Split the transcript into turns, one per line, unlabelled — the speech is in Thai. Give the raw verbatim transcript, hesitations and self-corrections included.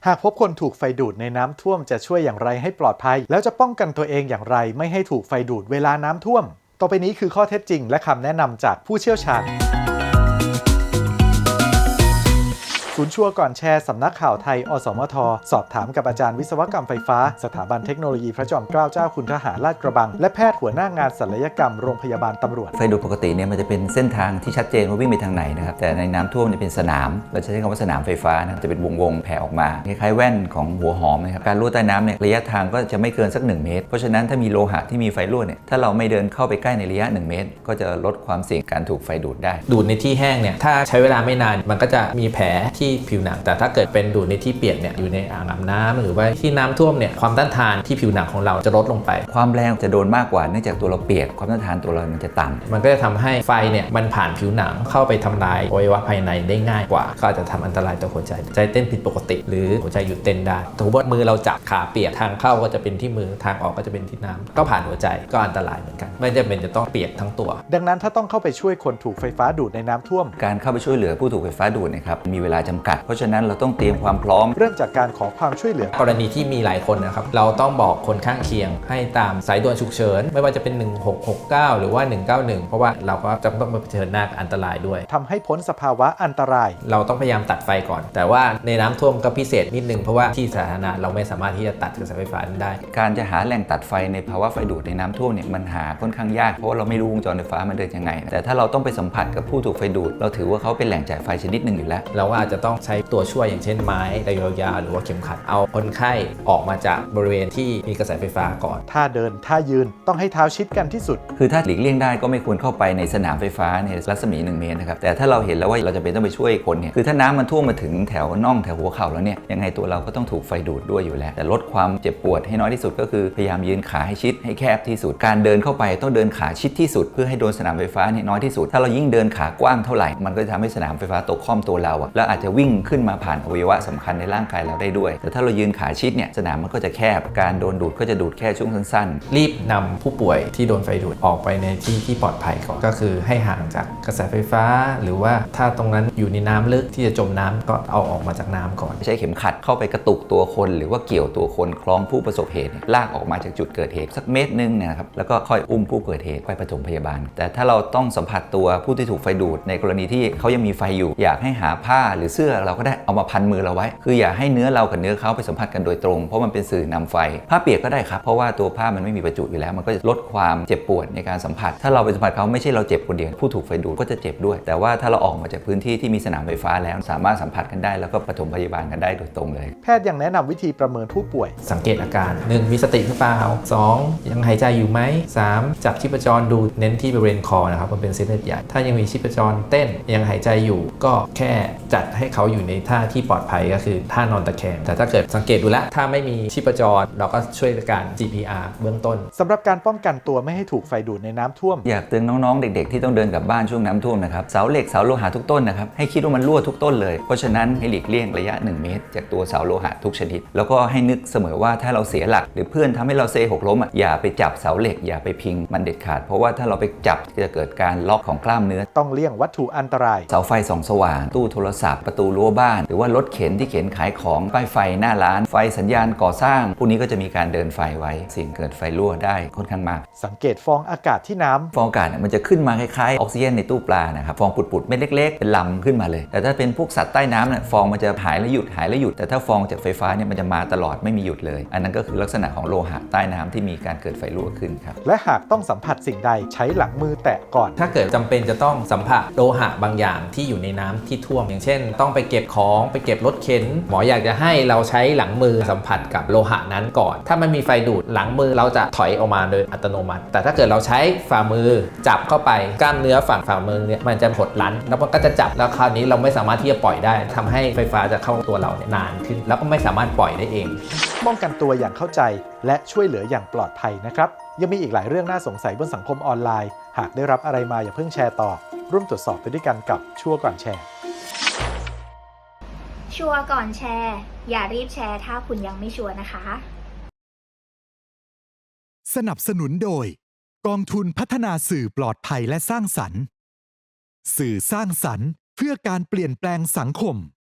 หากพบคนถูกไฟดูดในน้ำท่วมจะช่วยอย่างไรให้ปลอดภัยแล้วจะป้องกันตัวเองอย่างไรไม่ให้ถูกไฟดูดเวลาน้ำท่วมต่อไปนี้คือข้อเท็จจริงและคำแนะนำจากผู้เชี่ยวชาญศูนย์ชัวร์ก่อนแชร์สำนักข่าวไทยอสมทสอบถามกับอาจารย์วิศวกรรมไฟฟ้าสถาบันเทคโนโลยีพระจอมเกล้าเจ้าคุณทหารลาดกระบังและแพทย์หัวหน้างานศัลยกรรมโรงพยาบาลตำรวจ
ไฟดูดปกติเนี่ยมันจะเป็นเส้นทางที่ชัดเจนว่าวิ่งไปทางไหนนะครับแต่ในน้ำท่วมเนี่ยเป็นสนามเราจะใช้คำว่าสนามไฟฟ้านะจะเป็นวงวงแผ่ออกมาคล้ายๆแว่นของหัวหอมนะครับการรั่วใต้น้ำเนี่ยระยะทางก็จะไม่เกินสักหนึ่งเมตรเพราะฉะนั้นถ้ามีโลหะที่มีไฟรั่วเนี่ยถ้าเราไม่เดินเข้าไปใกล้ในระยะหนึ่งเมตรก็จะลดความเสี่ยงการถูกไฟดูดได้
ดูดในที่แห้งเนี่ยถ้าใช้เวลาไม่นานมันก็จะมีแผลที่ผิวหนังแต่ถ้าเกิดเป็นดูดในที่เปียกเนี่ยอยู่ในอ่างอาบน้ำหรือว่าที่น้ำท่วมเนี่ยความต้านทานที่ผิวหนังของเราจะลดลงไป
ความแรงจะโดนมากกว่าเนื่องจากตัวเราเปียกความต้านทานตัวเรามันจะต่ำ
มันก็จะทำให้ไฟเนี่ยมันผ่านผิวหนังเข้าไปทำลายอวัยวะภายในได้ง่ายกว่าก็อาจจะทำอันตรายต่อหัวใจใจเต้นผิดปกติหรือหัวใจหยุดเต้นได้สมมติว่ามือเราจับขาเปียกทางเข้าก็จะเป็นที่มือทางออกก็จะเป็นที่น้ำก็ผ่านหัวใจก็อันตรายเหมือนกันไม่จำเป็นจะต้องเปียกทั้งตัว
ดังนั้นถ้าต้องเข้าไปช่วยคนถูกไฟฟ้าดูดในน้ำท่วม
การเข้าไปช่วยเหลือผู้ถูกไฟฟ้าดูดนะครับมีเวลาจำกัดเพราะฉะนั้นเราต้องเตรียมความพร้อม
เริ่มจากการขอความช่วยเหลือก
รณีที่มีหลายคนนะครับเราต้องบอกคนข้างเคียงให้ตามสายด่วนฉุกเฉินไม่ว่าจะเป็นหนึ่งหกหกเก้าหรือว่าหนึ่งเก้าหนึ่งเพราะว่าเราก็จะต้องมาเผชิญหน้ากับอันตรายด้วย
ทำให้พ้นสภาวะอันตราย
เราต้องพยายามตัดไฟก่อนแต่ว่าในน้ำท่วมก็พิเศษนิดนึงเพราะว่าที่สาธารณะเราไม่สามารถที่จะตัดกระแสไฟฟ้าได้
การจะหาแหล่งตัดไฟในภาวะไฟดูดในน้ำท่วมเนี่ยมันหาค่อนข้างยากเพราะว่าเราไม่รู้วงจรไฟฟ้ามันเดินยังไงแต่ถ้าเราต้องไปสัมผัสกับผู้ถูกไฟดูดเราถือว่าเขาเป็นแหล่งจ่ายไฟชนิดหนึ่งอยู่แล้ว
เราก็อาจจะต้องใช้ตัวช่วยอย่างเช่นไม้ระยาวๆหรือว่าเข็มขัดเอาคนไข้ออกมาจากบริเวณที่มีกระแสไฟฟ้าก่อน
ท่าเดินท่ายืนต้องให้เท้าชิดกันที่สุด
คือถ้าหลีกเลี่ยงได้ก็ไม่ควรเข้าไปในสนามไฟฟ้าในรัศมีหนึ่งเมตรนะครับแต่ถ้าเราเห็นแล้วว่าเราจะเป็นต้องไปช่วยคนเนี่ยคือถ้าน้ำมันท่วมมาถึงแถวน่องแถวหัวเข่าแล้วเนี่ยยังไงตัวเราก็ต้องถูกไฟดูดด้วยอยู่แล้วแต่ลดความเจ็บปวดให้น้อยที่สุดก็คือพยายามยืนขาให้ชิดให้แคบที่สุดการเดินเข้าไปต้องเดินขาชิดที่สุดเพื่อให้โดนสนามไฟฟ้าเนี่ยน้อยที่สุดถ้าเรายิ่งเดินขากว้างเท่าไหร่มันก็จะทำให้สนามไฟฟ้าตกค่อมตัวเราแล้วอาจจะวิ่งขึ้นมาผ่านอวัยวะสำคัญในร่างกายเราได้ด้วยแต่ถ้าเรายืนขาชิดเนี่ยสนามมันก็จะแคบการโดนดูดก็จะดูดแค่ช่วงสั้น
ๆรีบนำผู้ป่วยที่โดนไฟดูดออกไปในที่ที่ปลอดภัยก่อนก็คือให้ห่างจากกระแสไฟฟ้าหรือว่าถ้าตรงนั้นอยู่ในน้ำลึกที่จะจมน้ำก็เอาออกมาจากน้ำก่อน
ใช้เข็มขัดเข้าไปกระตุกตัวคนหรือว่าเกี่ยวตัวคนคล้องผู้ประสบเหตุลากออกมาจากจุดเกิดเหตุสักเมตรนึงนะครับแล้วก็ค่อยอุ้มผู้เกิดเหตุไปปฐมพยาบาลแต่ถ้าเราต้องสัมผัสตัวผู้ที่ถูกไฟดูดในกรณีที่เขายังมีไฟอยู่อยากให้หาผ้าหรือเสื้อเราก็ได้เอามาพันมือเราไว้คืออย่าให้เนื้อเรากับเนื้อเขาไปสัมผัสกันโดยตรงเพราะมันเป็นสื่อนำไฟผ้าเปียกก็ได้ครับเพราะว่าตัวผ้ามันไม่มีประจุอยู่แล้วมันก็จะลดความเจ็บปวดในการสัมผัสถ้าเราไปสัมผัสเขาไม่ใช่เราเจ็บคนเดียวผู้ถูกไฟดูดก็จะเจ็บด้วยแต่ว่าถ้าเราออกมาจากพื้นที่ที่มีสนามไฟฟ้าแล้วสามารถสัมผัสกันได้แล้วก็ปฐมพยาบาลกันได้โดยตรงเลย
แพทย์ยังแนะนำวิธีประเมินผู้ป่วย
สังเกตอาการหนึ่งมีสติหรือเปล่าสองยังหายใจอยู่ไหมสามจับชีพจรดูเน้นที่บริเวณคอนะครับมันเป็นเส้นเลือดใหญ่ถ้ายังมีชีพจรเต้นยังหายใจอยู่ก็แค่จัดให้เขาอยู่ในท่าที่ปลอดภัยก็คือท่านอนตะแคงแต่ถ้าเกิดสังเกตดูแลถ้าไม่มีชีพจรเราก็ช่วยการ จี พี อาร์ เบื้องต้น
สำหรับการป้องกันตัวไม่ให้ถูกไฟดูดในน้ำท่วม
อยากเตือนน้องๆเด็กๆที่ต้องเดินกลับบ้านช่วงน้ำท่วมนะครับเสาเหล็กเสาโลหะทุกต้นนะครับให้คิดว่ามันรั่วทุกต้นเลยเพราะฉะนั้นให้หลีกเลี่ยงระยะหนึ่งเมตรจากตัวเสาโลหะทุกชนิดแล้วก็ให้นึกเสมอว่าถ้าเราเสียหลักหรือเพื่อนทำให้เราเซหกล้มอ่ะอย่าไปจับเสาเหล็กอย่าไปพิงมันเด็ดขาดเพราะว่าถ้าเราไปจับจะเกิดการล็อกของกล้ามเนื้อ
ต้องเลี่ยงวัตถุอันตราย
เสาไฟส่องสว่างตู้โทรศัพท์ประตูรั้วบ้านหรือว่ารถเข็นที่เข็นขายของป้ายไฟหน้าร้านไฟสัญญาณก่อสร้างพวกนี้ก็จะมีการเดินไฟไว้สิ่งเกิดไฟรั่วได้ค่อนข้างมาก
สังเกตฟองอากาศที่น้ำ
ฟองอากาศมันจะขึ้นมาคล้ายๆออกซิเจนในตู้ปลานะครับฟองปุดๆเม็ดเล็กๆเป็นลำขึ้นมาเลยแต่ถ้าเป็นพวกสัตว์ใต้น้ำเนี่ยฟองมันจะหายแล้วหยุดหายแล้วหยุดแต่ถ้าฟองจากไฟฟ้าเนี่ยมันจะมาตลอดไม่มีหยุดเลยอันนั้นก็คือลักษณะของโลหะใต้น้ำที่มีการเกิดไฟรั่วขึ้นครับ
และหากต้องสัมผัสสิ่งใดใช้หลังมือแตะก่อน
ถ้าเกิดจำเป็นจะต้องสัมผัสโลหะบางอย่างที่อยู่ในน้ำที่ท่วมอย่างเช่นต้องไปเก็บของไปเก็บรถเข็นหมออยากจะให้เราใช้หลังมือสัมผัสกับโลหะนั้นก่อนถ้ามันมีไฟดูดหลังมือเราจะถอยออกมาโดยอัตโนมัติแต่ถ้าเกิดเราใช้ฝ่ามือจับเข้าไปกล้ามเนื้อฝั่งฝ่ามือเนี่ยมันจะหดลั้นแล้วมันก็จะจับแล้วคราวนี้เราไม่สามารถที่จะปล่อยได้ทำให้ไฟฟ้าจะเข้าตัวเราเนี่ยนานขึ้นแล้วก็ไม่สามารถปล่อยได้เอง
ป้องกันตัวอย่างเข้าใจและช่วยเหลืออย่างปลอดภัยนะครับยังมีอีกหลายเรื่องน่าสงสัยบนสังคมออนไลน์หากได้รับอะไรมาอย่าเพิ่งแชร์ต่อร่วมตรวจสอบไปด้วยกันกับชัวร์ก่อนแชร์
ชัวร์ก่อนแชร์อย่ารีบแชร์ถ้าคุณยังไม่ชัวร์นะคะ
สนับสนุนโดยกองทุนพัฒนาสื่อปลอดภัยและสร้างสรรค์สื่อสร้างสรรค์เพื่อการเปลี่ยนแปลงสังคม